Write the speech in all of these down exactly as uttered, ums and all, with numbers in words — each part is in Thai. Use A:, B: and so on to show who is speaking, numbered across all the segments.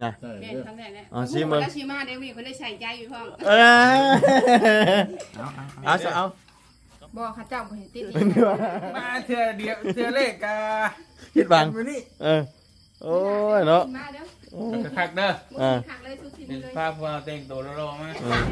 A: นะ
B: แม่ทำได้แล้ว
A: อ๋อชิมเบิ่ง
B: แล้วชิมาเดี๋ยวมีคนได้ใส่ใจอยู่พร้อม
A: เออเอาเอาเอา
B: บ่ข้าเจ้าบ่เห็นติด
A: เป็นไงวะ
C: มาเถื่อเดียวเถื่อเลขกา
A: คิดบัง
C: มือนี่
A: เออโอ้ยเนาะ
B: มาเด้อ
C: คักเด้อ
A: อ่า
B: คักเลยทุกที
C: เป็น
B: เลย
C: ภาพพวกเราแต่งตัวรอๆมา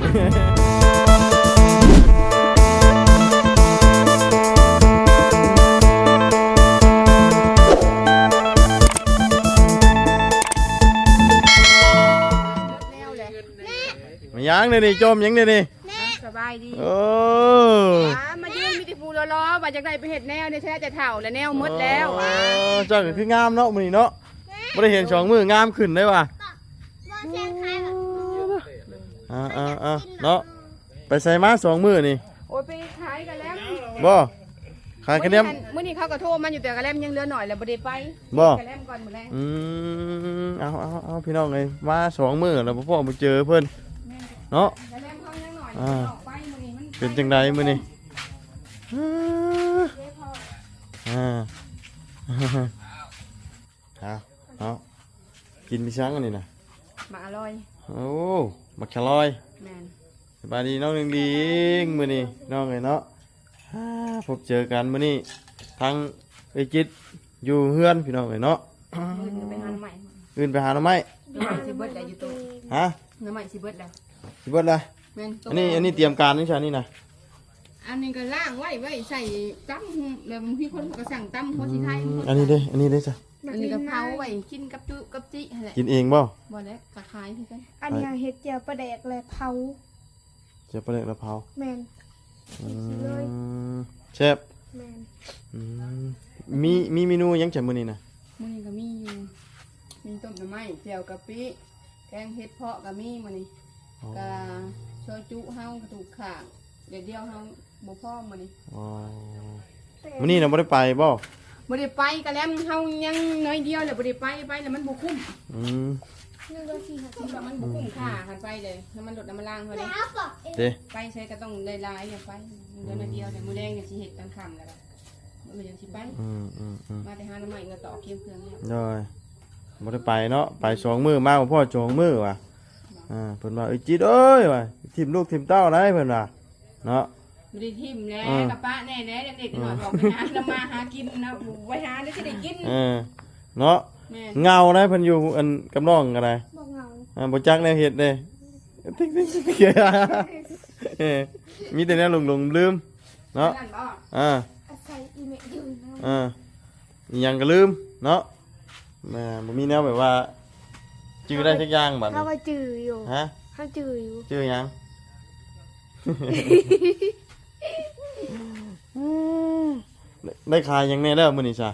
B: แล้วแหละ
A: มายังเลยนี่จมยังเลยนี่
B: สบายดี
A: โอ้
B: มายืนมีแต่ผู้ล้อๆว่าจากได้ไปเฮ็ดแนวเนี่ยแท้จะเฒ่าแล้วแนวหมดแล้ว
A: โอ้เจ้าก็คืองามเนาะมื้อนี้เนาะบ่ได้เห็นสองมืองามขึ้นได้ว่ะอ่าอ่าอ่าเนาะไปใส่มาสองมือนี่
B: โอ้ยไปขายกันแล้ว
A: บ่ขายคะแนน
B: มื้อนี้เขาก็โทรมาอยู่แต่กระแลมยังเหลือหน่อยแล้วบ่ได้ไป
A: บ่
B: กระแลมก่อนมื้อแรก
A: อืมเอาเอาเอาพี่น้องเลยมาสองมือแล้วพ่อมาเจอเพิ่นเนาะ
B: กระแลมเขายังหน่อย
A: อ่า
B: ออกไปมื้อนี้มัน
A: เป็นจังไดมื้อนี้อ่าเอาเอากินมีช้างอันนี้นะ
B: มาอร่อย
A: โอ้มักชะลอย
B: แม่น
A: สบายดีน้องหนึ่งดีงมื้อนี้น้องเอ้ยเนาะอ่าพบเจอกันมื้อนี้ทั้งไอ้จิตอยู่เฮือนพี่น้องเอ้ยเนาะ
B: มื้อนี้ไปหาหน่อไม้
A: อื่นไปหาหน่อไม้
B: หน่อไม้สิเบิดได้อยู่ตัว
A: ฮะ
B: หน่อไม้สิเบิดได้
A: สิเบิดละ
B: แม่นตัว
A: อันนี้อันนี้เตรียมการนี่ใช่นี่นะ
B: อันนี้ก็ล่างไว้ไว้ใส่ตั้มแบบพี่คนก็สั่งตั้มหัวสีไทย
A: อันนี้เด้อันนี้เด้จ้ะ
B: อันนี้ก็เผาไว้กินกับจุกับจิหั่นแหละ
A: กินเองบ่
B: บ่แล้วก็ขายคือกัน
D: อันนี้เห็ดเจียวปลาแดกและเผา
A: เจะปลาเล็กละเผา
D: แมน
A: อื
D: เลย
A: มแซ่บ
D: แมน
A: อืมมีมีเมนูหยังจังมื้อนี้นะ
B: มื้อนี้ก็มีอยู่มีต้มหน่อไม้แจ่วกะปิแกงเห็ดเพาะก็มีมื้อนี้ก็ซอยจุเฮากระดูกข่างเดี๋ยวเดียวเฮาบ่พอมื้อนี้
A: อ๋อมื้อนี้น่ะบ่ได้ไปบ่
B: บ่ได้ไปก็แล้วเฮายังน้อยเดียวแล้วบ่ได้ไปไปแล้วมันบ่คุ้ม
A: อืม
D: หนึ่งร้อยสี่สิบ
B: มันก็มันบ่คุ้มค่าคันไปเลยถ้ามันลดน้ำมันล่างเท่านี้
A: เด้
B: ไปใช้ก็ต้องได้หลายอย่าไปเดือนละเดียวแต่มื้อแดงก็สิเฮ็ดตอนค่ำแล้วก็มื้อยังสิไป
A: อืมอืมอืม
B: มาแต่หาหน้ำใหม่เงินต่อเคี่ยวเครื่องเนี่ย
A: ได้บ่ได้ไปเนาะไปสองมื้อมาบ่พอสองมื้อว่ะอ่าเพิ่นว่าเอ้ยจิตเอ้ยว่ะทิ่มลูกทิ่มเต้าได้เพิ่นว่าเนาะ
B: บ่ได้ทิ่มแหน่
A: อ่า
B: กับป้าแน่แหน่เด็กๆหน่อยบอกไปหาน้ำมาหากินนะไว้หาได้สิได้กิน
A: เออเนาะ
B: แม่
A: เงาได้เพิ่นอยู่อันกับน้องก็ได้
D: บอกเหงา
A: อ่าบ่จักแนวเฮ็ดเด้ติ๊กติ๊กติ๊กติ๊กเออมีแต่แนวหลงๆลืมเนาะ
B: นั่นบ่
A: อ่า
D: อาศัยอีเมลอยู่นะ
A: อ่าอีหยังก็ลืมเนาะแม่บ่มีแนวแบบว่าจื้อได้สักอย่างบัด
D: เขา
A: นี้
D: ก็จืออยู่
A: ฮะ
D: เขาจืออยู่
A: จื้อหยัง ได้ขายหยังแน่แล้วมื้อนี้จ้ะ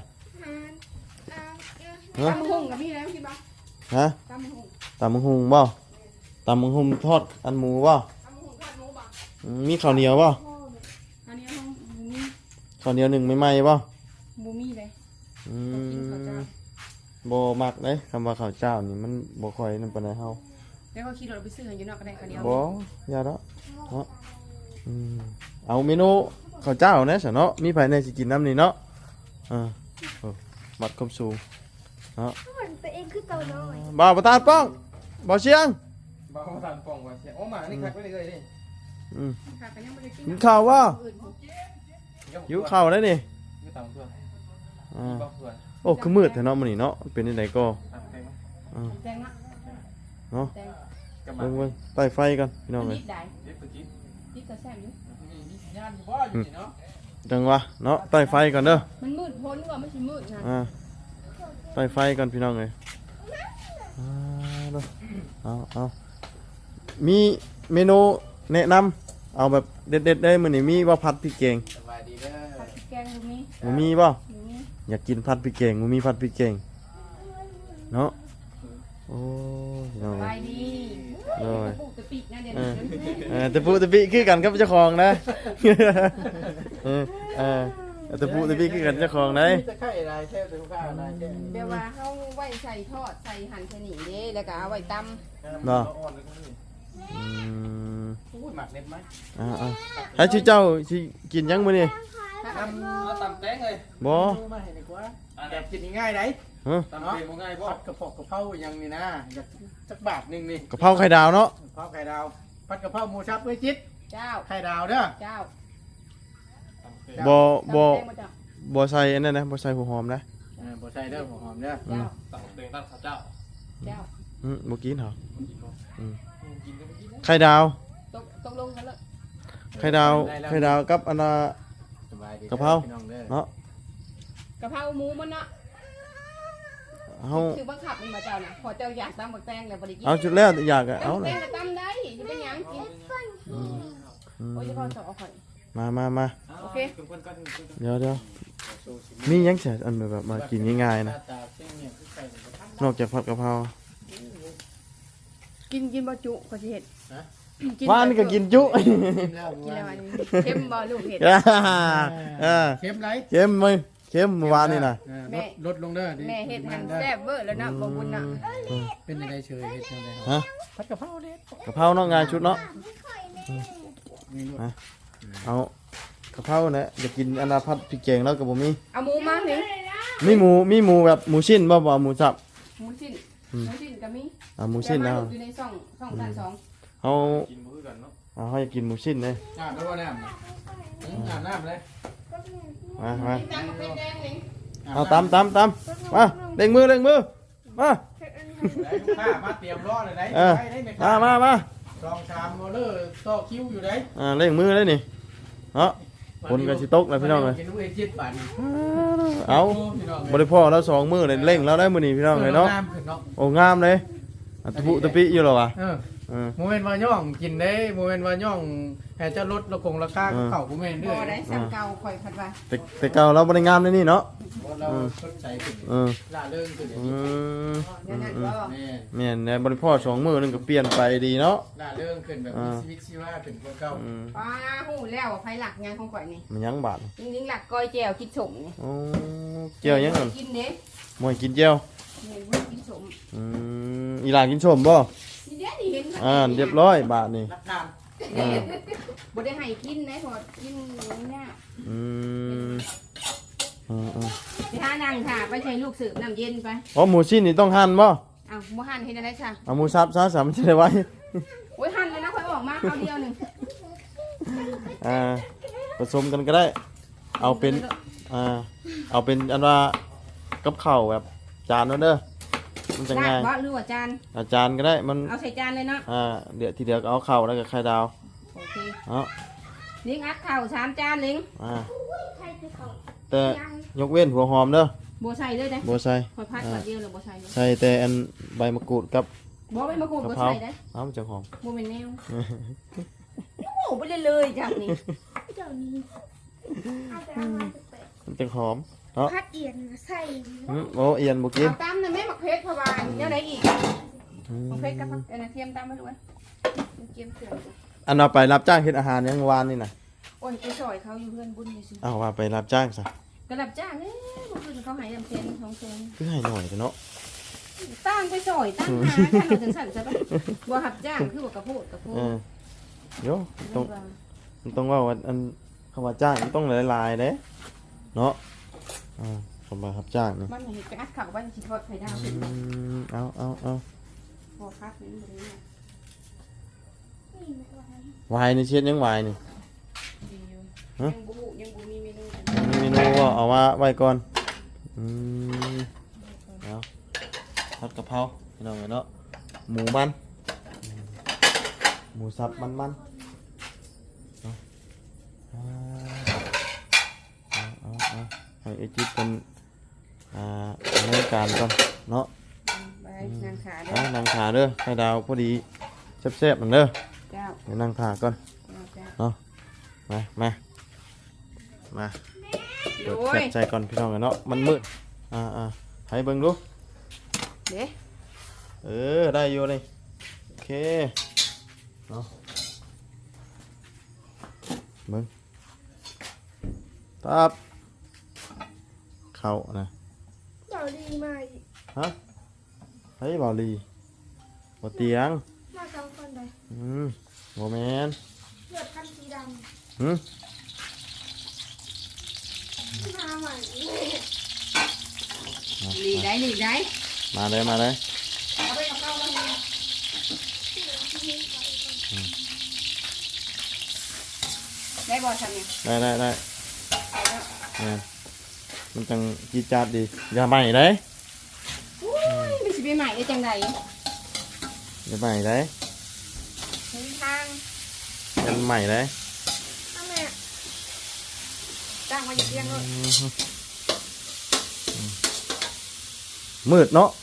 A: ฮะ
B: ตำหุ่งกับพี่แล้วคิดบ่
A: ฮะ
B: ตำหุ่ง
A: ตำบักหุ่งบ่ตำบักหุ่งทอดอันหมูบ่
B: ตำหุ่งทอดหมูบ่
A: อืมมีข้าวเหนียวบ่
B: อันนี้ห้องหมูมี
A: ข้าวเหนียวหนึ่งใหม่ๆบ่
B: หมูมีเลย
A: อื
B: กินข้าวเจ้าม
A: บ่มักเด้คำว่าข้าวเจ้านี่มันบ่ค่อยนำปานใดเฮา
B: แล้วก็ขี่รถไปซื้ออยู่นอกก็ได้คันเดียว
A: บ่อย่าดอกเนาะอืมเอาเมนูข้าวเจ้าแหน่ซะเนาะมีไผแน่สิกินน้ำนี่เนาะอ่าโอ้มัดความสูงเนาะ
D: เหมือนตัวเองคือตัวน้อย
A: บ่าวประธานป้องบ่าวเชียง
C: บ้าทานป่องว่าเสียโอ้มานี่คักไว้เลยนี่
A: อืม
B: ค่ะก็ยังบ่ได้กิน
A: กินข้าวบ่
B: อื่น
A: หิวข้าวแล้วนี่
C: อยู่ตามตัว
A: อ่า
C: บอกตัว
A: โอ้คือมืดแท้เนาะมื้อนี้เนาะเป็นจังไดก็
C: ตัดไปมั้ย
A: อ่า
B: แตงละ
A: เนาะ
B: แตง
C: กำ
A: เบิ่งเบิ่งใต้ไฟกันพี่น้อง
B: มัน
A: เอ้ย
B: นิดได้
C: เด็กตะกี้
B: นิดก็แซ่บอยู่
C: มีมีสัญญาณอยู่บ่อยู่นี่เนาะ
A: จังวะเนาะใต้ไฟก่อนเด้อ
B: มันมืดพ้นกว่าไม่ใช่มืดนะ
A: อ่าใต้ไฟก่อนพี่น้องเอ้ยอ่าเด้อเอาเอามีเมนูแนะนำเอาแบบเด็ดๆได้มื้อนี้มีบ่ผัดพริกแกง
C: สบายดีเด้อ
B: ผัดพริกแกงตรงนี้
A: บ่มีบ่
B: ตรงนี้
A: อยากกินผัดพริกแกงบ่มีผัดพริกแกงเนาะโอ้ยน้อง
B: ไป
A: เอ้ย
B: ดี
A: โอ้ย
B: ปลูกตะปีกนะเดี๋ยว
A: เออ
B: นี้
A: เออตะปูตะปิคือกันกับเจ้าของนะ เออเออตะปูตะปิคือกันเจ้าของนะ
C: จะไข่อะไรแค่จะข้าวอะไรแค่
B: เดี๋ยวว่าเขาไว้ใส่ทอดใส่หั่นใส่หนีเด้แล้วก็เอาไว้ต
A: เนาะ
C: อ่อนเลยนี่
A: อืม
C: พูดหมักเน็ตไหม
A: อ่าอ่าให้ชื่อเจ้าสิกินยังมื้อนี้
B: ำ
C: ทำเอาตำแตงเลย
A: บ่
C: มาให้ดีกว่าแบบกินง่ายไหน
A: ฮะ
C: ตำเป็นบ่ง่ายบ่ผัดกระเพาะกระเพราอย่างนี้นะอยากสักบาทหนึงนี่
A: กะเพราไข่ดาวเนาะ
C: กะเพราไข่ดาวผัดกระเพราหมูสับเอ้ยจิต
B: เจ้า
C: ไข่ดาวเด้อ
B: เจ้า
A: บ่บ่
B: ตำแตงมาเจ้า
A: บ่ใส่อันนั้นนะบ่ใส่หัวหอมนะ
C: เออบ่ใส่เด้อหัวหอมเด้อ
B: เจ้า
C: ตักเด้งตั้งข้าวเจ้า
B: เจ้า
A: อืมบ่กินเหรอ
C: กินบ่
A: อืม
C: กินก็ไม่กินนะ
A: ไข่ดาว
B: ตกตกลงกันแล้ว
A: ไข่ดาวไข่ดาวกับอันน่ะ
C: สบายดี
A: กะเพรา
C: พี่น้องเด้อ
A: เนาะ
B: กะเพราหมูมันเนาะ
A: เฮา
B: คือบังคับมันมาเจ้าน่ะพอเจ้าอยากตำบักแตงแล้วบ่ได้กิน
A: เอาจุดแล้วอยากอะเอา
B: ตำ
A: เล
B: แต
A: ย
B: งก็ตำได้จะเป็นหยังกิน
A: อืม
B: โอ้ยจะพอสเอาข่อย
A: มามามา
B: โอเค
C: เพิ่นๆก่อนเพิ่นๆก่อน
A: เดี๋ยวเดี๋ยวมีหยังแฉอันแบบมากินง่ายๆ
C: ห
A: นะ
C: น้าตาเส้นเนี่ยคือใส่บ่ทัน
A: นอกจากผัดกะเพรา
B: กินกินบ่จุขอยสิเฮ็ด
C: ฮะ
A: ว่านี่ก็กินจุ
C: กินแล้ว
B: กินแล้วอันนี้เค็มบ่ลูกเห็ด
A: เออ
C: เค็มไร
A: เค็มมั้ยเค็มเมื่อวานนี่น่ะ
C: เออลดลดลงเด้อดิ
B: แม่เฮ็ดหัน
C: ด้อ
B: แซ่บเบ้อแล้วเนาะบ่บุญน่ะ
C: เป็นยังไงเฉยเฮ็ดจังได๋
A: ฮะ
C: ผัดกะเพราเด้
A: กะเพราเนาะง่ายชุดเนาะ
C: นี่ลูก
A: เอากะเพราเนี่ยอยากกินอันนาพัดพริกแกงแล้วก็บ่มี
B: เอาหมูมานี่
A: มีหมูมีหมูแบบหมูชิ้นบ่บ่เอาหมูสับ
B: หมูชิ้น
A: อืม
B: หมูชิ้นก็มี
A: อ่าหมูชิ้น
B: แต่
A: เอา
B: ว่าอยู่ในช่องช่องด้านสอง
A: เอา
C: กินมื้อกันเนาะ
A: เอาให้กินหมูชิ้นเลย
C: อาบน้ำน้ำอาบน้ำเลย
A: มามา
B: กินตามกับเป็นแดงนี่
A: เอาตำตำตำมาเล่งมือเล่งมือมา
C: ได้ลูกค้ามาเตรียมรอเลยได้
A: เออ
C: ได้ได้ไหมค
A: มา
C: รับ
A: มามา
C: สองชามโมเลอร์ต่อคิวอยู่ได้
A: อ่าเล่งมือเลยนี่เนาะ คนกันสิตกเลยพี่น้องเลย
C: กินด้วยจิตปั่น
A: เอา
C: พี่น้อง
A: บ่ได้พ่อแล้วสองมือเลยเล่งแล้วได้มื้อนี้พี่น้องเลยเนาะ
C: น้ำขึ้นเนาะ
A: โอ้งามเลยอัตะปุตะปิอยู่เหรอวะ
C: เออ
A: เออ
C: โมเมนต์ว่าย่องกินได้โมเมนต์ว่าย่องแห่จะลดระคงราคา
A: เออ
C: เข่ากูเมนด้
B: บ่
C: วย
B: ได้ซ้ำเก่าข่อยพัดว่า
A: แต่แต่เก่าเราบ่ได้งามเลยนี่เนาะ
C: เพราะเราสดใสขึ้น
A: เออ
C: ล่าเริงขึ้น
A: อืม
B: เดี๋ยวนั้นบ่
C: แม่
A: แม่นในบริพ่อสองมือนึงก็เปลี่ยนไปดีเนาะ
C: ล่าเริงขึ้นแบบมีชีวิตชีวาขึ้นกว่าเก่า
A: อืม
B: ป้าฮู้แล้วว่าไผหลักงานของข่อยนี่
A: มันยังบาด
B: จริงๆหลักก้อยแจ่วกินสมนี่
A: โอ้เจียวยังนั่น
B: กินเด้
A: มวยกินเจียว
B: แม่นบ่กินสม
A: อืมอีหลานกินชมบ่
B: นี่เด้นี่เห็น
A: อ่าเรียบร้อยบาทนี่
C: รักทาน
A: อ่า
B: บ่ได้ให้กินนะพอกินเนี่ย
A: อืมอืมอืม
B: ไปหานั่งค่ะไปใช้ลูกสืบน้ำเย็นไป
A: อ๋อหมูชิ้นนี่ต้องหั่นบ่
B: เอาบ่หั่นเฮ็ดอะไรซะ
A: เอาหมูสับซะสามมันจะได้ไว้
B: โอ้ยหั่นเลยนะค่อยออกมาคราวเดียวหนึง
A: อ่าผสมกันก็ได้ เอาเป็นอ่าเอาเป็นอันว่ากับข้าวแบบจานนั่นเด้อมันจะ
B: ลา
A: ง่าย
B: บบ่หรือว่าจาน
A: อาจารย์ก็ได้มัน
B: เอาใส่จานเลยเนาะ
A: อ่าเดี๋ยวทีเดียวก็เอาข้าวแล้วก็ไข่ดาว
B: โอเค
A: เนาะ
B: ลิงอัดข้าวสามจานลิง
A: อ่า
D: ใครคือเขา
A: แต่ยกเว้นหัวหอมเด้อ
B: บ่ใส่เลยเด้
A: บ่ใส่
B: ค่อยพัดก่อนเดียวเลยบ่ใส่เลย
A: ใส่แต่อันใบมะกรูดกับ
B: บ่ไม่มากูด
A: กะ
B: บ่
A: เพรา
B: ใส่เด้
A: เอ้ามันจะหอม
B: บ่เป็นแนวโอ้ไปเลยเลยจังนี่
D: เจ้านี้เอาแต่เอามาแปะ
A: มันจะหอมเนาะ
D: พัดเอียนใส่
A: อืมโอ้เอียนบ่กิน
B: เอาตำน่ะแม่มักเพชรเพราะว่าเดี๋ยวไหนอีก
A: อืม
B: มักเพชรกับผักเอันเทียมตำมาด้วยเทียมเถื่อน
A: อันเอาไปรับจ้างเฮ็ดอาหารยังเมื่อวานนี่น่ะ
B: โอ้ยไปซอยเขาอยู่เพื่อนบุญนี่สิ
A: เอาว่าไปรับจ้างซะ
B: กระดับจ้างเอ้ยบ่คืนเขาให้ลำเซนสองเซน
A: คือให้หน่อยเถอะเนาะ
B: ตั้งไปซอยตั้งหาท่านเราจังสั่นซะบ่บ่หับจ้างคือว่ากระโพดกระโพด
A: เออโยต้องมันต้องว่าว่าอันคำว่าจ้างมันต้องหลายๆเด้เนาะอ่าคำว่ารับจ้างนี่
B: มันเห็นไปอัดข้าวบ้านสิทอดไข่ดาว
A: อื
B: ขึ้น
A: มเอาเอาเอา
B: พอคักนี่บ่ได้เนี่ย
D: นี่ไม่ไหว
A: วายนี่เช็ดยังวายนี่
B: ดีอยู่
A: ฮะ
B: ยังบ่ฮู้ยังบ่มีเมนู
A: มีเมนูว่าเอามาไว้ก่อนอืมเอาผัดกะเพราพี่น้องเนาะหมูมันอืมหมูสับมันมันเอาเอาเอาเอาให้ไอจิ๊บเป็นอ่าดำเนินการก่อนเนาะ
B: ไปนางขาเด้
A: เอา
B: อ
A: นั่งขาเด้อให้ดาวพอดีแซ่บๆนั่นเด้อ
B: เจ้า
A: เดี๋ยวนั่งขาก่อน
B: เจ้าเจ้า
A: เนาะมามามาเปิด
B: โอ้
A: แฟล
B: ย
A: ชใจก่อนพี่น้องเนาะมันมืดอ่าอ่าให้เบิ่งดู
B: เด้
A: เออได้อยู่เลยโอเคเนาะเบิ่งตับเข้านะ
D: เจ้าดีมาอีก
A: ฮะเฮ้ยบ่าวลีบ่เตียง
D: มาสองคนเลย
A: อืมบ่แม่น
D: เลือดคันสีด
A: หืม
D: ำมาใหม่
A: บ
B: หลีกได้หลีกได้
A: มาเลยมาเลย
B: เอาไปกับข้าวมาเลยได้บ่ฉันเนี่ย
A: ได้ได้ได้
B: เอาแล้ว
A: เนี่ยมันจังจีดจาดดีอย่าใหม่ได้
B: อุ้ยมันสิไปใหม่ได้จังได
A: อย่าใหม่ได้
B: ถึงทาง
A: เป็นใหม่ได้
B: ทำไมจ้างมาอยู่เตียงเลย
A: มืดเนาะ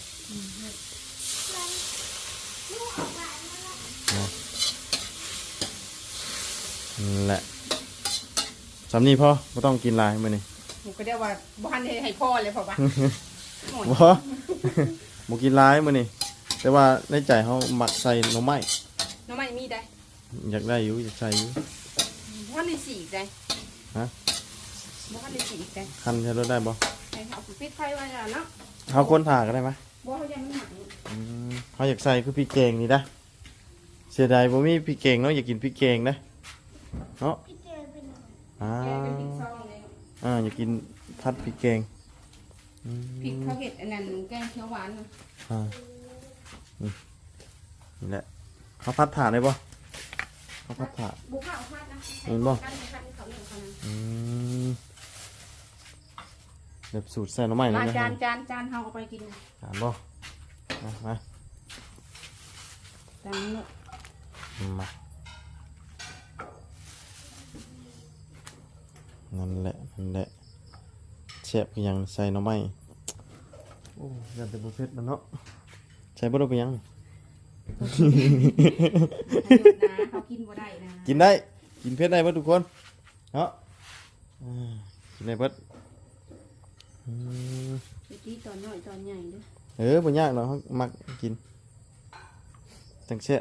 A: นั่นแหละสำนีพ่อไม่ต้องกินหลายมื้อนี้
B: หนูก็เรียกว่าบ้านให้พ่อเลยพอปะ
A: บ่บ่กินหลายมื้อนี้แต่ว่าในใจเขามักใส่หน่อไม้
B: น้องไม่มีได้
A: อยากได้อยู่อยากใส่อยู่
B: บ้านในสีได้
A: ฮะ
B: บ้านในสีได้
A: คันใช้รถได้บ่
B: ให้เขาปิดไฟไว้แล้วเนาะ
A: เขาคนถ่าก็ได้ไหม
B: บ่เขายังไม่หนัก
A: อืมเขาอยากใส่คือพริกแกงนี่นะเสียดายบ่มีพริกแกงเนาะอยากกินพริกแกงนะเนาะ
D: พี่เจอเป็นอะไร
A: อ่า
B: แกเป็นพริกซองเลย
A: อ่าอยากกินผัดพริกแกงอืม
B: พริกเขาเห็ดอันนั้นแกงเขียวหวานนะ
A: อ่านี่นี่แหละเขาพัดถ่านได้บ่เขาพัดถ่าน
B: บุกข้าวพัดนะ
A: เห็นบ่
B: กันกันเขาหนึ่งเขานะ
A: อืมแบบสูตรใส่หน่อไม้เลย
B: มา
A: นะ
B: จานจานจานเขาเอาไปกินนะ
A: ถามบ่มามา
B: จานนี้เนอะ
A: มานั่นแหละนั่นแหละเชฟก็ยังใส่หน่อไม้โอ้ยันแต่บุฟเฟ่ต์แล้วเนาะใส่บ่ได้ไปยัง
B: นะเขากินบ่ได้นะ
A: กินได้กินเผ็ดได้เบิดทุกคนเนาะอ่ากินได้เบิดอืม
B: ไปตีตอนน้อยตอนใหญ่เด้อ
A: เออบ่ยากเนาะเฮามักกินจังเสีย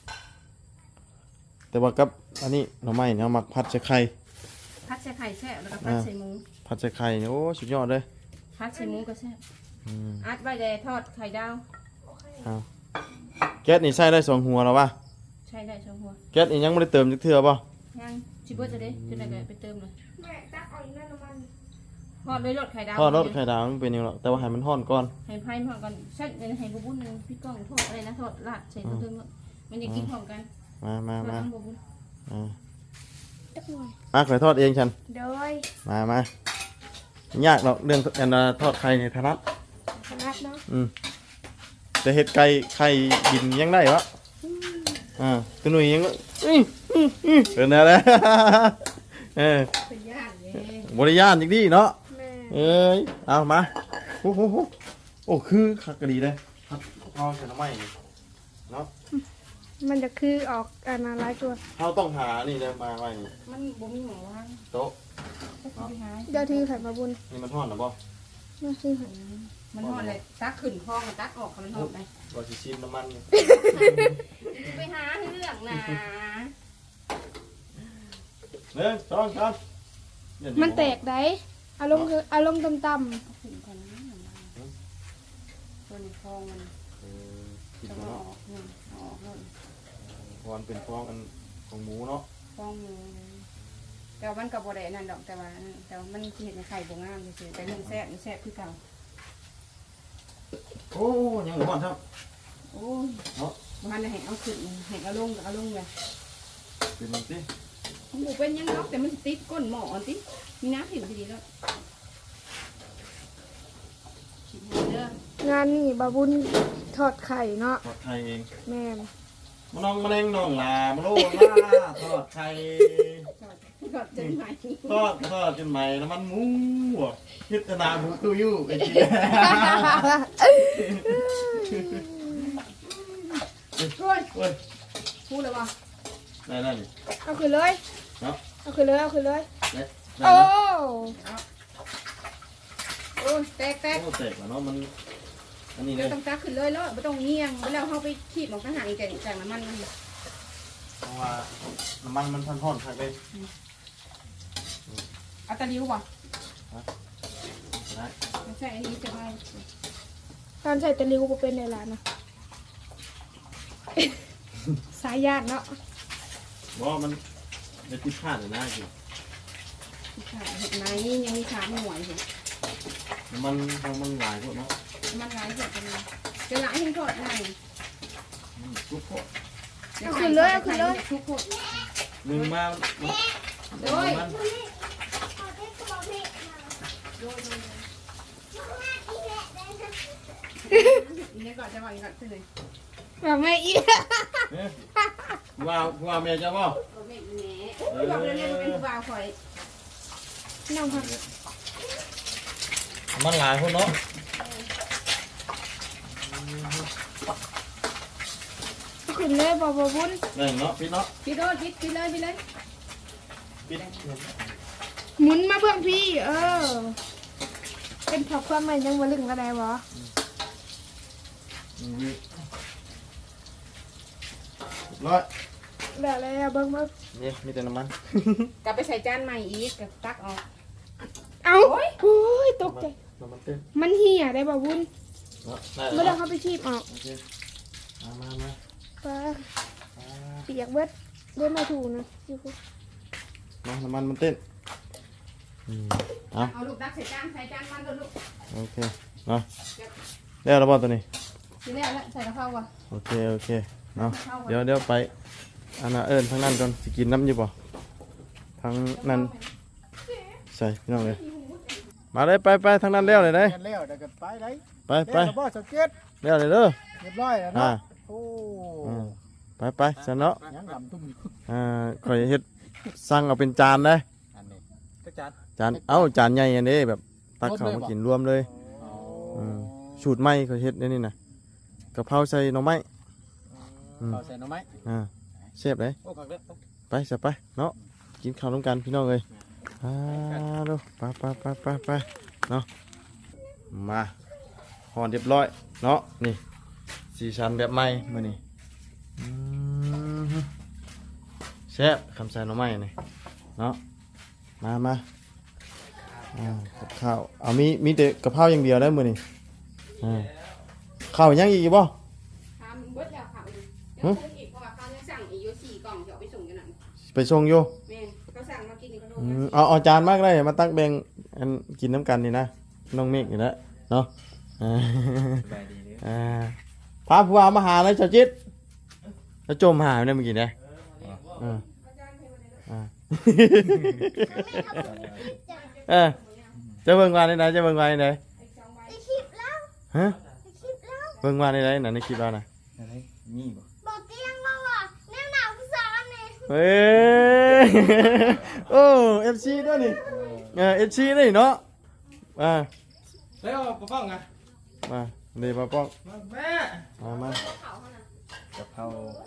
A: แต่ว่ากับอันนี้หน่อไม้เนี่ยเอามักผัดใส่ไข่
B: พัดใส่ไข่แซ่บแล้วก็พัดใส่หมู
A: ผัดใส่ไข่เนี่ยโอ้สุดยอดเลย
B: พัดใส่หมูก็แซ่บ
A: อืม
B: อัดไว้เลยทอดไข่ดาว
A: เอาแก๊สนี่ใส่ได้สองหัวแล้วป่ะ
B: ใช้ได้ช่องหัว
A: แก๊สนี่ยังบ่ได้เติมจักเทื่อป่ะ
B: ยังชิบเบอร์จะได้จะได้ไปเติมเลย
D: แม่ตักเอาอีกนั่นน้ำมัน
B: ทอดด้วยรสไข่ดาว
A: ทอดรสไข่ดาวมันเป็นยังไงหรอกแต่ว่าให้มันร้อนก่อน
B: ให้ไพ่พร้อมกันเช่นให้บุบุญหนึ่งพี่ก้องทอดอะไรนะทอดลาดใส่ตัวเติมมันจะกินพร้อมกัน
A: มามา
B: ทอด
A: มา
B: น้ำบุบุญ
A: อ่า
D: ตักหน่อย
A: อ่ะข่อยทอดเองฉัน
D: โดย
A: มามา ยากหรอกเรื่องอันน่ะทอดไข่ในถนัด
D: ขนาดเนาะ
A: อืมแต่เห็ดไก่ไข่บินยังได้วะอ่าตัวหนุ่ยยังก็อื้ออื้ออื้อเป็นอะไร เออ
B: เป็นยากเลย
A: บริยานจริงดิเนาะ
D: แม่
A: เอ้ยเอามาโอ้โหโหโอ้คือคักกะดีเลยครับเอาใส่น้ำมันนี่เนาะ
D: มันจะคือออกอันอะไรตัว
A: เราต้องหานี่เลยมาไว้นี่
B: มันบ่มีหมอว่าง
A: โต๊ะ
B: ก็ไปหา
D: เดี๋ยวที่ไข่มาบุญ
A: นี่มันทอดหรือเปล่า
D: มาที่ไข่
B: มันทอดเลยตักขึ้นคลองตักออกมันทอดไป
A: เราจะชิมน้ำมันนี่
B: ไปหาเรื่องนะ
A: หนึ่งสองสามอย่าดึง
D: มันแตกได้อารมณ์คืออารมณ์ต่ำ
B: ขึ้นก่อนนะตัวในคลองมัน
A: เออกิน
B: จะ
A: ไป
B: มาอ
A: เนาะ
B: อกเงินออกเงิน
A: เพราะมันเป็นฟองอันของหมูเนาะ
B: คลองอยู่แต่ว่ามันกับบ่ได้นั่นดอกแต่ว่าแต่ว่ามันเห็นในไข่บ่งามเฉยๆแต่มันแซ่บมันแซ่บคือเก่า
A: โอ้ยังหมูอ่อนครับ
B: โอ้ย
A: เนาะ
B: มันให้เอาขึ้นให้เอาลงเอาลงเลย
A: เป็นมันสิ
B: หมูเป็นยังเนาะแต่มันติดก้นหม้ออันติมีน้ำถิ่มทีดีแล้วชิมเด้อ
D: ๆงานนี่บาบุญทอดไข่เนาะ
A: ทอดไข่เอง
D: แม่น
A: มาน้องมาเล่งน้องลามาโลลาทอดไข่
B: กดจนไหม
A: ทอดทอดจนใหม่น้ำมันหมูพิจารณาหมูคืออยู่ไอ้จี
B: โอ้ย
A: เว้ย
B: พูดเลยว่า
A: ได้ได้นี่
D: เอาขึ้นเลย
A: เนาะ
D: เอาขึ้นเลยเอาขึ้นเลย
A: ได้ได้
D: โอ้
A: นะ
B: โอ้ยแตกแตก
A: โอ้แตกแล้วเนาะมันอันนี้เล
B: เดี๋ย
A: ยว
B: ต้องตักขึ้นเลยแล้วไม่ต้องเงียงแล้วเขาไปขีดหมอกทหารอีกแต่จากน้ำมันมัน
A: เพราะว่าน้ำมันมันท่อนๆครับเลย
B: เอาตะลิ้วป่ะ
A: นะ
B: ไม่ใช่อันนี้จะไม่
D: การใส่ตะลิวก็เป็นในร้านนะ สายญาติเนาะ
A: บอกว่ามันจะติดพลาดเลยนะจี
B: ค่ะเห็ดไม้ยังมีขาหน่วยอยู่
A: มันมันหลายพวกเนาะ
B: มันหลายเสร็จเป็นเป็นหลายให้ทอดไง
A: มันทุกพวก
B: เอาขึ้นเลยเอาขึ้นเลยทุกคน
A: หนึ่งมา
B: โดย
A: มัน
B: อีนี่ก่อนจะบอกอีกก่อนขึ้นเลย
D: แบบไม่อี
A: เนี่ยว่าว่าแม่จะบ่
B: บอกแม่อีแหน่บอกเลยเนี่ยเป็นผู้บ่าวคอย
D: น้องค่ะ
A: มันหลายพวกเนาะ
D: ขึ้นเลยบ่บ่บุญ
A: หนึ่งเนาะพี่เนาะ
B: พี่โดดพี่พี่เลยพี่เลย
A: พี่
D: หมุนมาเพื่อนพี่ เออ เป็นผักความใหม่ยังบ่ลึงก็ได้บ่
A: ร้อย
D: แล้วแล้วเบิ่งมา
A: นี่มีแต่น้ำมัน
B: กลับไปใส่จานใหม่อีกกับตักออก
D: เอ้าโอ้ยตกใจ
A: น้ำมันเต้น
D: มันเหี่ยได้บ่บุญ
A: เนาะได้
D: บ่ได้
A: แล้ว
D: เข้าไปชีบออก
A: โอเคมามามา
D: ปลาเปียกเบิดเดินมาถูนะอยู่พุ่น
A: มาน้ำมันมันเต้นอืมเอา
B: เอาลูกตักใส่จานใส่จานมันก่อนลูก
A: โอเคมาเรียกระบอตัวนี้
B: ทีแรกแล้วใส่กะเพราก่อน
A: โอเคโอเคเนาะเดี๋ยวเดี๋ยวไปอันน่ะเอิญทางนั้นก่อนสิกินน้ำอยู่ป่ะทางนั้นใส่พี่น้องเลยมาเลยไปไปทางนั้นเลี้ยวเลยเด้
C: เรียนแล้วเดี๋ยวก็ไปเลย
A: ไปไป
C: เรียนแล้วบ่สเก็ต
A: เลี้ยวเลยเด้อ
C: เรียบร้อยแล้ว
A: อ่า
C: เนาะโอ้
A: อืมไปไปสนเนาะ
C: ยังลำตุ้มอยู่
A: อ่าข่อยเฮ็ดสั่งเอาเป็นจานได้
C: อันนี้ก็จัด
A: จานเอ้าจานใหญ่อันนี้แบบตักข้าวมากินรวมเลย
C: อ๋อ
A: อืมสูตรใหม่ข่อยเฮ็ดในนี่น่ะกะเพราใส่หน่อไม้ อืม
C: เอาใส่หน่อไม้
A: อ่าเชฟเลย
C: โอ้กักเด้อ
A: ไปสไปเนาะกินข้าวร่วมกันพี่น้องเลยอ่าดูไปไปไปไปไปเนาะมาห่อเรียบร้อยเนาะนี่สีชันแบบใหม่มานี่อืมแซ่บคำใส่หน่อไม้นี่เนาะมามาอ่ากับข้าวเอามีมีแต่กะเพราอย่างเดียวได้มือนี่อ่าข้าวยังอีกบ่
B: ทำเบิดแล้วค่ะเดี๋ยวคนอีกเพราะว่าเขายังสั่งอีกอยู่สี่กล่องเดี๋ยวเอาไปส่งกันหน่อย
A: ไปส่งอยู่
B: แม่เขาสั่งมากินอีกขนม
A: อืมเอาเอาจานมากเลยมาตั้งแบ่งอันกินน้ำกันนี่นะน้องเมฆนี่นะเนาะอ่า
C: สบายดีเด้อ
A: อ่าพาผู้ว่ามาหาเลยเจ้าจิตแล้วจมหายเนี่ยเมื่อกี้เนี่ยอ่าอ่า เออจะเบิ่งวานในไหนจะเบิ่งวานในไหน
D: ไอคลิปแล้ว
A: ฮะ
D: ไอคลิปแล้ว
A: เบิ่งวานในไหนน่ะในคลิปเราน่ะ
C: อะไรมีบ่
D: บอกเตียงเราอ่ะแนวหนาวผู้สอนนี่
A: เฮ้ย โอ้เอฟซีด้วยนี่เออเอฟซีด้วยเนาะอ่า
C: แล้วปะป้องอ่ะ
A: มาเดี๋ยวมาป้อง
C: แม่
A: มามา
C: กะเพราก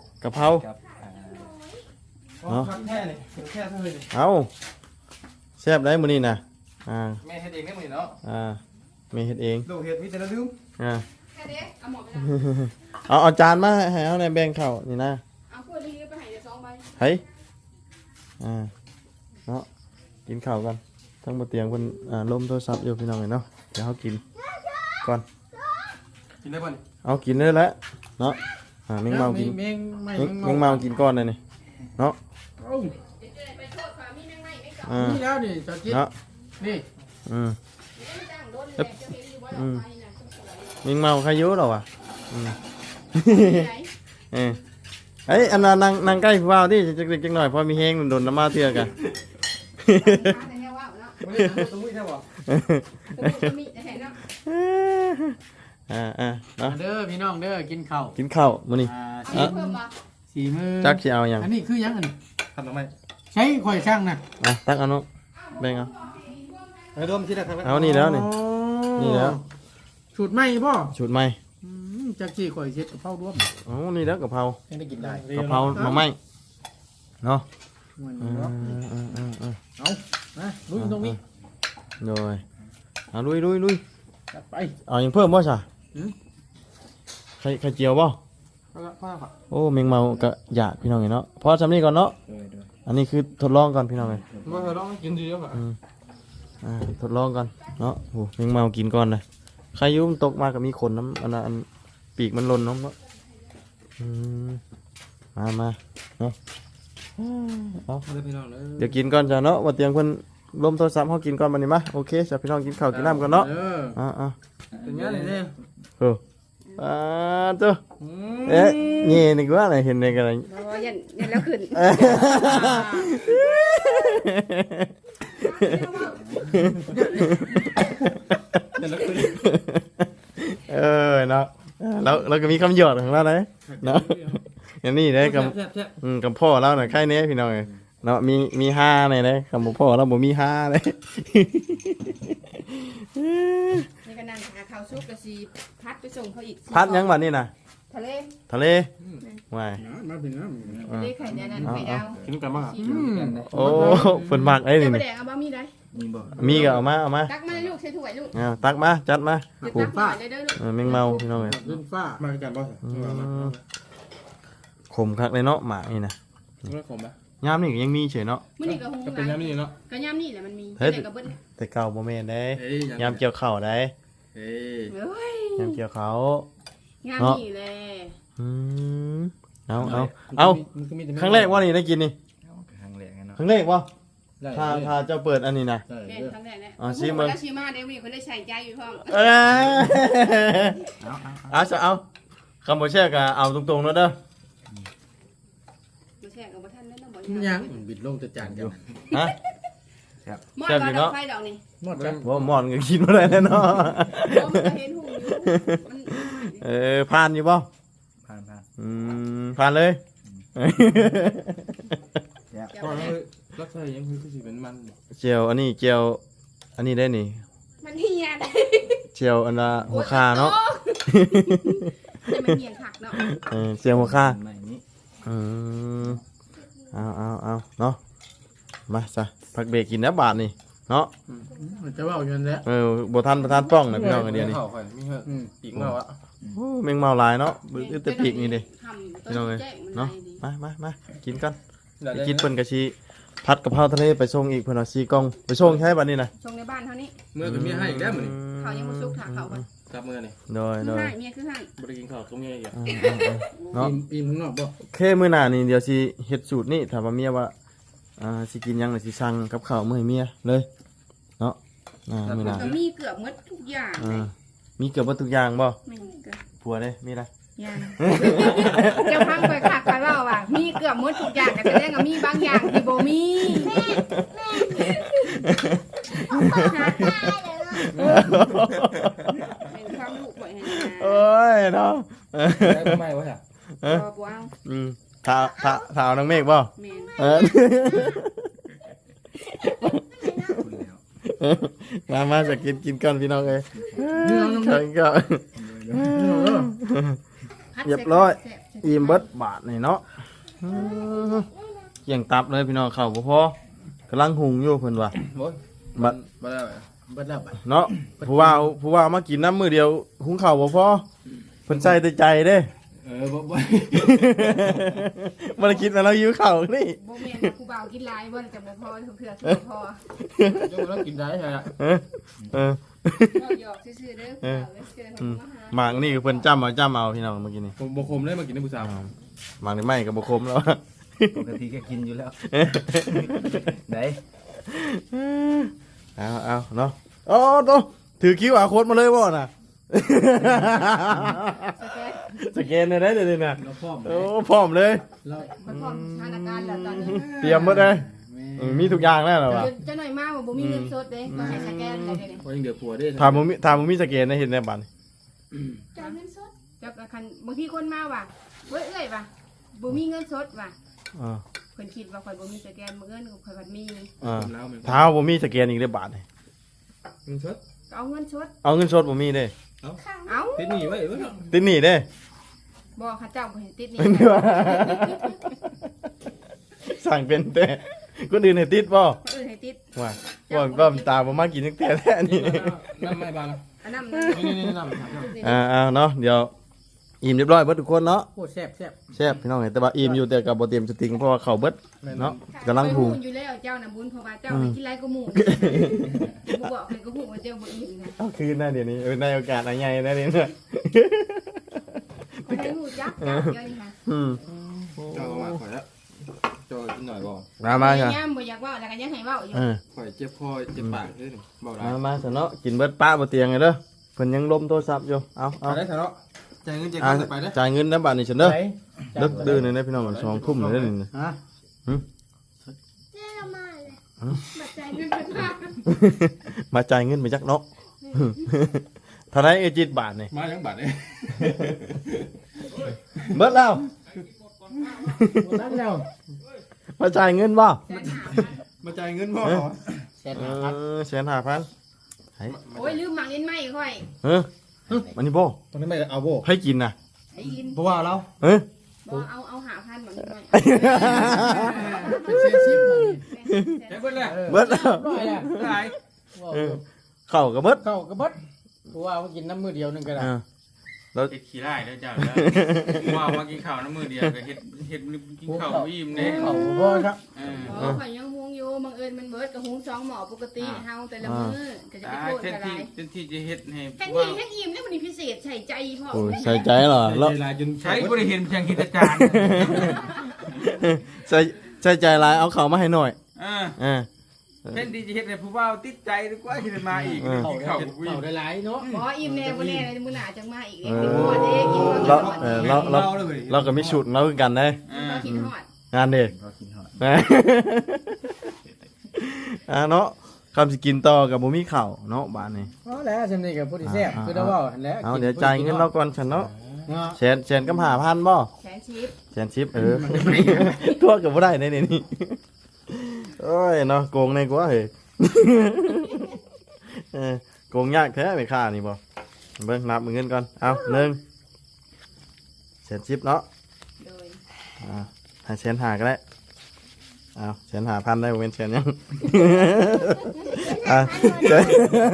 A: ะเพรา
C: กับอ่า
A: เนาะ
C: แค่นี่แค่เท่านี้
A: เอาแซ่บได้มื้อนี้น่ะอ่า
C: แม่เฮ็ดเองได้มื้อนี้เนาะ
A: อ่าแม่เฮ็ดเอง
C: ลูกเฮ็ดมีแต่ละลืม
A: อ่า
B: แค่นี้เอาหมดไปแล้ว
A: เอาเอาจานมาให้เอาในแบ่งข้าวนี่นะ
B: เอาขวดนี้ไปให้เดี๋ยวสองใบ
A: เฮ้ยอ่าเนาะกินข้าวกันทั้งบนเตียงเพิ่นอ่าลมโทรศัพท์อยู่พี่น้องเอ้ยเนาะเดี๋ยวเฮากินก่อน
C: กินได้บ่นี่
A: เอากินเลยแหละเนาะอ่าแมงเมากิน
C: แมงไม่
A: แมงแมงเมากินก้อนเลยนี่เนาะ
C: เอ้า
B: เดี๋ยวจะได้ไปโทษความมีแมงไหม้ไม่กลับ
A: อ่า
C: นี่แล้วนี่จอจิต
A: เนาะ
C: นี่
A: อืม
B: ไม่จ้างโดนเลยจะเห็นอยู่ว่าดอกไม้น่ะสวย
A: แมงเมาใครอยุ่หรอวะอืม
B: ๆไหน
A: เอ้ยเอ้ยอันนั้นนั่งนั่งใกล้ผู้ว่าที่จักเล็กจักหน่อยพอมีแห้งโดนน้ำมาเทื่อกัน
B: แต่แค่ว่าเนาะ
C: บ่ได้ตุ้ยใช่บ่
B: สมุนมีแต่แค่เนาะ
A: อ่าอ่าเนาะ
C: เด้อพี่น้องเด้อกินข้าว
A: กินข้าวมื้อนี้
C: อ่า
B: อันนี้เพิ่มมา
C: สีมือ
A: จักสิเอาหยัง
C: อันนี้คือหยังอันนี้ทำทำไมใช้ข่อยช่างนะ
A: อ่ะตักเอาเนาะแบ่งเอา
C: ไอ้รวมที่ได้ครับ
A: เอานี่แล้วนี่ นี่แล้ว
C: สูตรใหม่ป่ะ
A: ชุดใหม่
C: จากที่ข่อยเช็ดกับเผาร่วม
A: อ๋อนี่แล้วกะเพรา
C: ยังได้กินได้
A: กะเพราหน่อไม้เนาะ
C: มัน
A: อืม
C: เนาะ
A: อืมอืมอืม
C: เอานะลุยตรงนี้
A: โดยเอาลุยลุยลุย
C: จัดไป
A: เอาหยังเพิ่มบ่ซะ
C: หืม
A: ไข่ไข่เจียวบ่
C: เอาละพ่อครับ
A: โอ้แมงเมากะอยากพี่น้องเอ้ยเนาะพอทำนี่ก่อนเนาะ
C: เดยเดย
A: อันนี้คือทดลองก่อนพี่น้องเอ้ย
C: มาเถอะลองกินดีแล้วค่ะ
A: อืมอ่าทดลองก่อนเนาะโอ้แมงเมากินก่อนเลยใครอยุ่มนตกมากับมีขนน้ำอันนั้นอันปีกมันหล่นน้ำเนาะอืมมามาเนาะเอา
C: มาเลยพี่น้องเลย
A: เดี๋ยวกินก่อนจ้ะเนาะว่าเตียงเพิ่นลมโทรศัพท์เฮากินก่อนบัดนี้มาโอเคจ้ะพี่น้องกินข้าวกินน้ำกันเนาะ
C: เออ
A: อ่า
C: เป็นยังไงเนี่ย
A: ๆเอออ่าเจ้าเอ๊ะเงี้ยนึกว่าอะไรเห็นในกันอะไร
B: เพราะว่ายันยันแล้วขึ้น
A: เออเนาะแล้วเราก็มีคำหยอดของเราเลยเนาะอย่างนี้เลยกับ
C: แซ่บแซ่บ
A: อืมกับพ่อเราหน่อยใครเนี้ยพี่น้องเอ้ยเนาะมีมีห้าในเลยคำบอกพ่อเราบ่มีห้าเลย
B: นี่ก็นั่งหาข้าวซุปกะสิพัดไปส่งเขาอีก
A: พัดยังวันนี้นะ
B: ทะเล
A: ทะเลว้าย
C: มาเป็นน้
B: ทะเลไข่แดงนั่นไข่ดาว
C: ำกินกันบ้าง
A: โอ้ฝนมากไอ้
B: เดี๋
A: นี่
B: ยวไป
A: นี่
B: แดงเอาบะหมี่ได้
C: มีบ่
A: มีก็เอามาเอามา
B: ตักมาเลยลูกใส่ถ้วยลูก
A: เอาตักมาจัดมา
B: เดี๋ยว
A: โอ้
B: ตักหน่อยเลยเด้อลูก
A: เออแมงเมาพี่น้องเอ้ย
C: รุ่นฟ้ามากันบ่
A: อืมขมคักเลยเนาะหมานี่นะ
C: เมื่อผมปะ
A: ยามนี่ก็ยังมีเฉยเนาะ
B: มื้อนี้ก็หุง
C: ก็เป็นน้ำนี่เนาะ
B: ก็ย่ำนี่แหละมันมี
A: เฮ้ย
B: เดี๋ยวก็เบิด
A: แต่เก่าบ่แม่นได้
C: เฮ้ย
A: ยามเกี่ยวข้าวได้
C: เฮ้ย
B: เอ้ย
A: ยามเกี่ยวข้าว
B: ย่ำนี่แหละ
A: อืมเอาเอาเอาครั้งแรกว่านี่ได้กินนี่
C: ครั้งแรกไงเนาะ
A: ครั้งแรกว่า
C: ได้
A: ถ้าถ้าเจ้าเปิดอันนี้นะ
C: ได้
B: แม่ครั้งแรกเนี่ย
A: อ๋อชิมมึง
B: แล้วชิมาเดี๋ยวมีคนได้ใส่ใจอยู่พร้อม
A: เออเอาจะเอาคำบอกแช่กะเอาตรงๆแล้วเด้อ
B: มาแช่กับบ่ทันแล้วเนาะบ่
C: ยังบิดลงจะจานกัน
A: ฮะ
B: หมอ
A: แซ่บอยู่
B: ด
A: เนาะ
B: ไฟดอกนี่
C: หมดกัน
A: ว่าหมอนก็กินมาได้แล้วเนาะ
B: บ่มันก็เห็นหูอยู่มัน
A: เออผ่านอยู่ป่ะ
C: ผ่านผ่าน
A: อืมผ่านเลย
C: พอแล้วรักษายังคือสิเป็นมัน
A: เจียวอันนี้เจียวอันนี้ได้นี่
B: มันเฮียนะ
A: เจียวอันละหัวคาเนาะ
B: แต่มันเฮียคักเนาะ
A: เออเจียวหัวคา
C: ใหม่นี้
A: อืมเอาเอาเอาเนาะมาจ้ะพักเบรกกินนะบาทนี่เนาะ
C: มันจะว่าอยู่นั่นแหละ
A: เออบทันประทานป้องนะพี่น้องกันเดียวนี่
C: เข้าไปมีเหอะอีกเมื่อวะ
A: โอ้แมงเมาหลายเนาะบึ้งแต่ปีกนี่เด้
B: ทำ
A: พี่น้องเอ้ย
B: แจ้งมัน
A: เนาะ
B: ได้ดี
A: มามามากินกันไปกินเปิ้นกะชีผัดกะเพราทะเลไปส่งอีกเพิ่นเอาซีกล่องไปส่งใช้บัดนี้นะ
B: ชงในบ้านเท่านี้
C: เมื่อกับเมียให้อีกแล้วมื้อนี้
B: เขายังบ่สุกถาเขาก่อน
C: จับมือนี่
A: โดย
B: คือ
A: โดย
B: ให้เมียคือให้
C: บ่ได้กินข้าวกับเมียอีก
A: อ่าอ่าอ่าเนาะ
C: อิ่มข้างนอกบ่
A: โอเคมื้อหน้านี่เดี๋ยวสิเฮ็ดสูตรนี่ถามว่าเมียว่าอ่าสิกินหยังน่ะสิสั่งกับข้าวมื้อให้เมียเลยเนาะอ่ามื้อหน้า
B: ก็มีเกือบหมดทุกอย่าง
A: อ่ามีเกือบหมดทุกอย่างบ่
B: ไม่มีเกือบ
A: ผัวเด้มีอะไร
B: อย่างเจ้าพังไปคักไปเว้าว่ามีเกือบหมดทุกอย่างก็แสดงว่ามีบางอย่างที่บ่มีเป็นความรู้บ่ให้นะ
A: โอ้ยเนาะ
C: ได้ไม่วะฮะ
B: บ่บ่เอา
A: อืมถ้าถ้าถ้าเอาน้องเมฆบ่
B: แม่น
A: เออ มามาจะกินกินกันพี่น้องเอ้ยกินกัน เรียบร้อย อิ่มเบิดบาทนี่เนาะอืมเกี่ยงตับเลยพี่น้องเข้าบ่พอกำลังหุงอยู่เพิ่นว่า
C: บ่
A: บัด
C: บ่ได้บ่ได้บ่
A: เนาะผู้ว่าผู้ว่ามากินน้ำมือเดียวหุงข้าวบ่พอเพิ่นใส่แต่ใจเด้
C: เออบ่บ่
A: บ่ได้คิดว่าเราหิวข้าวนี่
B: บ่แม่นว่าผู้บ่าวกินหลายบ่ได้จะบ่พอทุกเทื่อสิบ่พอ
C: จังว่ากินได้ใช่อ่ะ
A: เออเออ
B: เราหยอกซื่อๆเด้อผู้บ่าวเด้อเจอเขามาหา
A: หมากนี่คือเพิ่นจำเอาจำเอาพี่น้องเมื่อกี้นี่
C: ผมบ่คมได้มากินในผู้สาว
A: หมากนี่ไม่ก็บ่คมแล้ว
E: ปกติก็กินอยู่แล้ว ไหน
A: เอาเอาเนาะโอ้โตถือคิวอาโค้ดมาเลยบ่น่ะ
B: สแกน
A: สแกนได้ได้เลยน่ะ
C: เราพร้อม
A: โอ้พร้อมเลย
C: เรา
B: มันพร้อมสถานการณ์แล้วตอนนี้
A: เตรียมหมดเลยเออมีทุกอย่างแล้วเหรอวะ
B: เจะหน่อยมากว่าบ่มีเงินสดเด้ก็ให้สแกนได้เด้นี่
C: พอยังเดือดผัวได้
A: ถามมึงมีถามมึงมีสแกนได้เห็นในบัตร
B: จ่ายเงินสดจับคันบางทีคนมาว่ะเว้ยเอ้ยว่ะบ่มีเงินสดว่ะ
A: อ่า
B: เพิ่นคิดว่าข่อยบ่มีสแกนบ่เงินข่อยบ่มี
A: อ่า
C: แล้วมัน
A: เท้าผมมีสแกนอีกได้บาทนี่
C: มันชด
B: ก็เอาเงินสด
A: เอาเงินสดผมมีเด้
B: เอ้า
C: ติดหนีไว้เว้ย
A: ติดหนี่เด้
B: บ่เขาเจ้าบ่เห็นติดนี่
A: สั่งเป็นแต่คนอื่นให้ติดบ่
B: คนอื่นให้ติด
A: ว่าว่าก็ตามผมมากินตั้งแต่แท้นี่
C: น้ำไม่บาน
B: อันนั้น
C: นี่นี่น้ำ
A: อ่าเอาเนาะเดี๋ยวอิ่มเรียบร้อยเบิดทุกคนเนาะ
C: โคตรแซ่บแซ่บ
A: แซ่บพี่น้องเห็นแต่ว่าอิ่มอยู่แต่กับบ่เตรียมสติงเพราะว่าเขาเบิดเนาะกำลังพุง
B: อยู่แล้วเจ้าน่ะบุญเพราะว่าเจ้าให้กินหลายกว่าหมู่บ่บอกให้ก็ฮู้ว่าเจ้าบ่อิ่มนะ
A: เอาคืนนะเดี๋ยวนี้เออในโอกาสอะไรใหญ่นะเดี๋ยวนี้
B: บ่ได้ฮู้จักจักเดี๋ยวนี้ค่ะ
A: อืม
C: เจ้าก็ว่าข่อยแล้วจอยกินหน่อยบ่
A: มามาจ้ะ
B: ย่ำบ่อยากเว่าแล้วก็ยังให้เว่าอยู่
A: เออ
C: ข่อยเจ็บคอเจ็บปากเด้อนี่บ่ได้
A: มามาซะเนาะกินเบิดป้าบ่เตียงเลยเด้อเพิ่นยังล้มโทรศัพท์อยู่เอา
C: ไป
A: เอา
C: ได้ซะเนาะจ่ายเงินจ่าย
A: อ่า
C: เงินไปเด้อ
A: จ่ายเงินนะบัดนี้ฉันเด้อ
C: ไป
A: ดึกดื้อนี่นะพี่น้องมันสองทุ่มเลยเด้อนี่
E: ฮะ
D: เจ้ามาเลยบัดใจเงินเป็นภาพ
A: มาจ่ายเงินไปจักเนาะ เท่าไหร่เอจิตบาทนี่
C: มายังบัดเด้
A: เบิดแล้ว
C: นั่นแล้ว
A: มาจ่ายเงินบ่
C: มาจ่ายเงินบ่
E: แสน
A: เอ
E: ห้าพัน
A: อแสนห้าพัน
B: โอ้ยลืมหมักเล่นไม้ค่อย
A: เออมันนี่บ่
C: ตอนนี้ไม่เอาโบ
A: ให้กินน่ะ
B: ไอ้ยิน
C: เพราะว่าเรา
A: เอ้ย
B: บ่เอาเอาหาพันหมักเล่นไม้
C: เป็นเซนซิฟเจ็บเบิดแล้ว
A: เบิดแล้ว
C: ร้อยแล้วหลาย
A: เออเข้ากับเบิด
C: เข้ากระเบิดเพราะว่ามากินน้ำมือเดียวนึงก็ได้
A: เออแล้ว
F: เฮ็ดขี้ได้เด้อเจ้าเด้อว่ามากินข้าวน้ำมือเดียวก็เฮ็ดเฮ็ดกินข้าวบ่อิ่มเด้
C: เขาบ่ครับ
F: เออ
B: อ๋อข่อยยังหุงอยู่บังเอิญมันเบิดกับหุงสองหม้อปกติเฮาแต่ละมื้อก็จะไป
F: ตา
B: โทษ
F: เช่น
B: อะไร
F: ที่เช่นที่จะเฮ็ดให้
B: แทน
F: ว่า
B: ที่แทนอิ่มแล้วมันนี่พิเศษใส่ใจพ่อ
A: โอ้ยใส่ใจเหรอแล้ว
C: เวลาจน
F: ใช้บ่ได้เห็นเพียงคิดจาน
A: ใส่ใส่ใจหลายเอาเขามาให้หน่อย
F: เออ
A: เออ
F: เช่นที่จะเฮ็ดให้ผู้บ่าวติดใจดีกว่าที่จะมาอีก
A: เออ
F: กินข้าวบ่อิ่
C: เขา
F: ม
C: ได้หลายเนาะ
B: บ่อิ่มแน่บ่แน่เลยมื้อหน้าจังมาอีกเด้
A: เอ
B: กิน
A: อ
B: ฮอดเด้กินฮอด
A: เรา
B: ฮอด
A: เออเราเราเราก็มีชุดเราคือกันได้
F: เออ
B: เรากินฮอด
A: งานเด็ก
E: เรากินหอด
A: อ่าเนาะคำสิกินต่อกับบ่มีข้าวเนาะบ้านนี้
C: อ๋อแล้วจำนี่กับผู้ที่แซ่บคือเราเว้าหั่นแหละ
A: เอาเดี๋ยวจ่ายเงินเราก่อนฉันเนาะ
C: เนาะ
A: แสนแสนกับห้าพันบ่
B: แสนชิป
A: แสนชิปเออทั่วกับบ่ได้ในนี่นี่โอ้ยเนาะโกงในกว่าเฮ้ยเออโกงยากแท้ไม่ค่านี่บ่เบิ่งนับเงินก่อนเอาหนึ่งแสนชิปเนาะ
B: โดย
A: อ่าให้แสนห้าก็ได้เอาแสนห้าพันได้บ่เป็นแสนยังอ่าแสน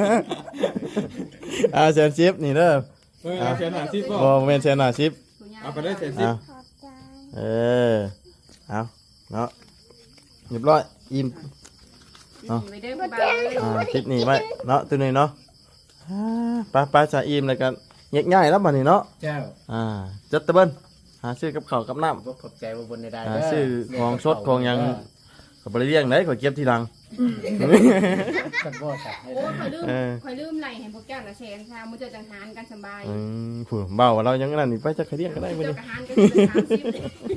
A: อ่าแสนชิปนี่เด้อ
C: เออเอาแสนห้าสิบบ่
A: บ่บ่เป็นแสนห้าชิป
B: คุณย่า
C: เอาไปได้แสนสิบ
A: เอา
D: ขอบใจ
A: เออเอาเนาะเรียบร้อยอิ่ม
B: ไปเด้อบ่าวเลย
A: อ่าคลิปนี้ไว้เนาะตัวนี้เนาะอ่าไปไปจะอิ่มแล้วกันง่ายๆแล้วบัดนี้เนาะ
C: เจ้า
A: อ่าจัดตะเบิ้ลหาซื้อกับข้าวกับน้
E: บ่ขอบใจว่าบนใด
A: ำ
E: ๆ
A: หา
E: เด้อ
A: ซื้อของสดของหยังก็บ่ได้เลี้ยงได้ก็เก็บทีหลัง
C: กันบ่จ้ะ
B: โอ้ยข่อยลืม
A: เออ
B: ข่อยลืมไหลให้พวกเจ้าละแสนค่ะมื้อเจ้าจังหารกันสบาย
A: อืมผู้เบาเรายังนั่นนี่ไปจะใครเลี้ยงก็ได้
B: มื้อ
A: บ่
B: เจ้า
A: นี่
B: กะหารกันเป็นสามสิบ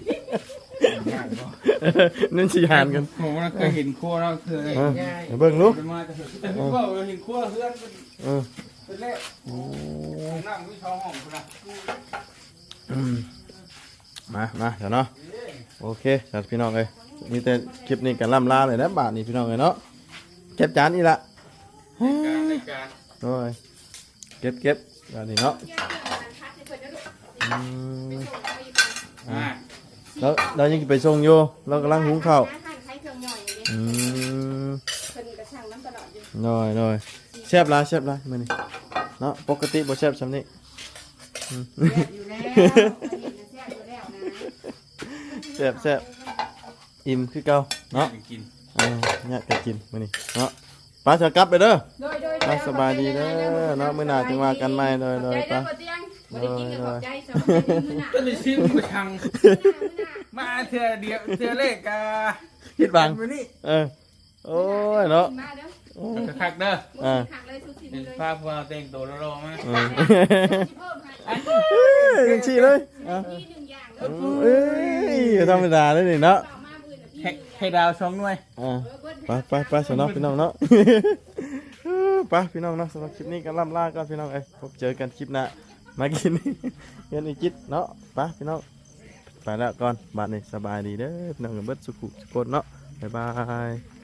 A: นั่นสิหานกัน
F: ผมว่าเคยเห็นครัวเราเคย
A: เออไปเบิ่งลูก
F: เป็นมาแต่แต่ผู้บ่าวเราเห็นครัวเฮือนเป็น
A: เออ
F: เป็นแล้วนั่งอยู่ช่องห้องพุ่นน่ะ
A: อืมมามาเดี๋ยวเนาะโอเคจัดพี่น้องเอ้ยมีแต่คลิปนี้กันล่ำลาเลยนะบาทนี่พี่น้องเอ้ยเนาะเก็บจานนี่ละ
F: การในการ
A: โอ้ยเก็บเก็บแบบนี้เนาะอืม
F: อ่า
A: แล้วเรายังไปส่งอยู่เรากำลังหุงข้าว
B: ใช้เครื่องย่อยอย่างนี้
A: อืม
B: เพิ่นกระช่างน้ำตลอดอยู่
A: น้อยน้อยแซ่บหลายแซ่บหลายมื้อนี้เนาะปกติบ่แซ่บซำนี้
B: แซ่บอยู่แล้วอันนี้จะแซ่บอยู่แล้วนะ
A: แซ่บแซ่บอิ่มคือเก่าเนาะ
F: กิน
A: เออเนี่ยก็กินมื้อนี้เนาะป้าจะกลับไปเด้อ
B: โดยโดย
A: ไปสบายดีเด้อเนาะมื้อหน้าจึงว่ากันใหม่โดยโดย
B: ใจ
A: ไป
B: เด้อบ่เตียงบ่ได้กินกับขอบใจสบายดีมื้อหน้า
F: ต้นนี้ชิมกระชัง
B: มื้อหน้ามื้อหน้า
F: มาเทื่อเดียวเทื่อเลขกะ
A: คิดบัง
F: มื้อนี้
A: เออโอ้ยเนาะ
B: มาเด้อ
F: คักๆเด้อ
B: มื้อนี้หักเลยทุกสิ่ง
F: เป็น
B: เลย
F: ภาพว่าแต่งตัวรอๆมา
A: เออ
B: สิเพิ่มให้
A: จังซี่เลยอ่ะ
B: มีหนึ่งอย่างเด้อ
A: เอ้ยธรรมดาเลยนี่เนาะ
B: ต่อมามื้อน่ะพี่
F: ให้ให้ดาวช่องหน่วย
A: อ่า
B: เออเบิ้ล
A: ไปไปไปสำนักพี่น้องเนาะ ไปพี่น้องเนาะสำหรับคลิปนี้ก็ล่ำลาก่อนพี่น้องเอ้ยพบเจอกันคลิปหน้ามากิน เงินอีกจิตเนาะไปพี่น้องไปแล้วก่อนบาดนี้สบายดีเด้อพี่น้องกับเบิดสุขุสุขคนเนาะบ๊ายบาย